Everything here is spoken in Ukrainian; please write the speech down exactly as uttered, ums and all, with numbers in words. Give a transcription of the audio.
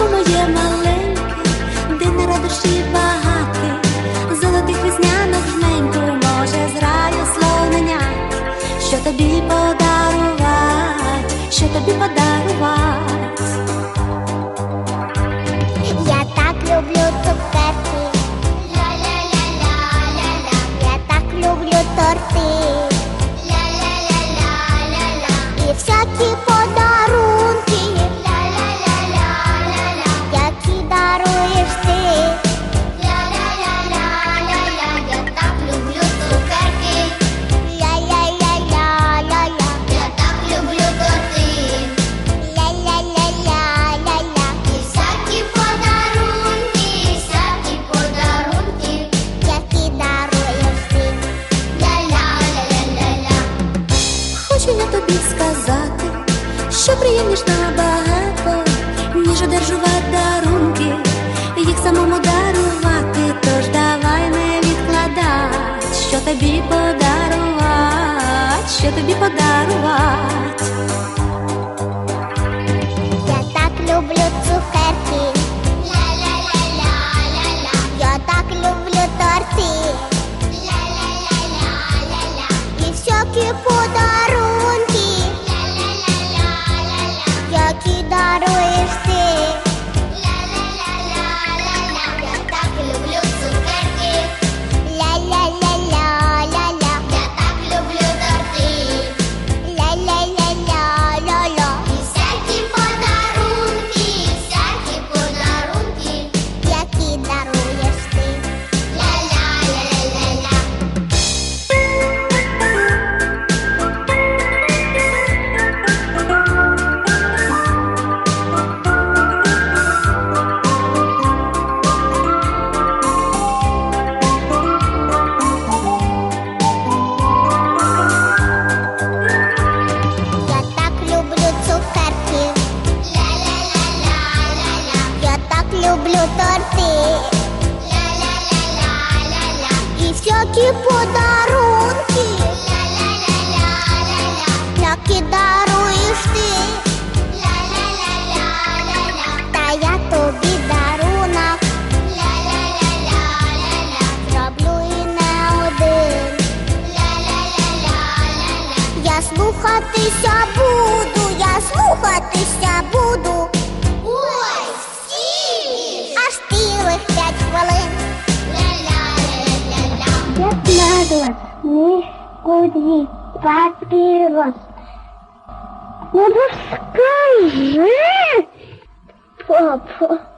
Сонечко моє маленьке, день на радощі багатий, золотих веснянок жменьку, може з раю слоненят. Що тобі подарувать, що тобі подарувать? Я так люблю цукерки, ля-ля-ля-ля-ля-ля. Я так люблю торти, ля-ля-ля-ля-ля-ля. І всякі подарунки, ля-ля-ля-ля-ля-ля. Які даруєш ти, ля-ля-ля-ля-ля-ля. Я так люблю цукерки, ля-ля-ля-ля-ля-ля. Я так люблю торти, ля-ля-ля-ля-ля-ля. І всякі подарунки, всякі подарунки, які даруєш ти, ля-ля-ля-ля-ля. Хочу я тобі сказати, що приємніш набагато, ніж одержувати дарунки, їх самому дарувати. Тож давай не відкладать, що тобі подарувати, що тобі подарувати. Я так люблю цукерки, ля-ля-ля-ля-ля-ля. Я так люблю торти, ля-ля-ля-ля-ля-ля. І всякі подарунки, ля-ля-ля-ля-ля-ля. Які даруєш ти, ля-ля-ля-ля-ля-ля. Я так люблю цукерки, ля-ля-ля-ля-ля-ля. Я так люблю торти, ля-ля-ля-ля-ля-ля. І всякі подарунки, всякі подарунки, які даруєш ти, ля-ля-ля-ля-ля-ля. Я так люблю цукерки, ля-ля-ля-ля-ля-ля. Я так люблю торти, ля-ля-ля-ля-ля-ля. І всякі подарунки, ля-ля-ля-ля-ля-ля. Які даруєш ти, ля-ля-ля-ля-ля-ля. Та я тобі дарунок, ля-ля-ля-ля-ля-ля. Зроблю і не один, ля-ля-ля-ля-ля-ля. Я слухатися буду, я слухатися буду. Ой, стіль! Аж цілих п'ять хвилин. Ля-ля-ля-ля-ля-ля. Пятнадцать, нискуди, папирос. Ну, да скажи, папа.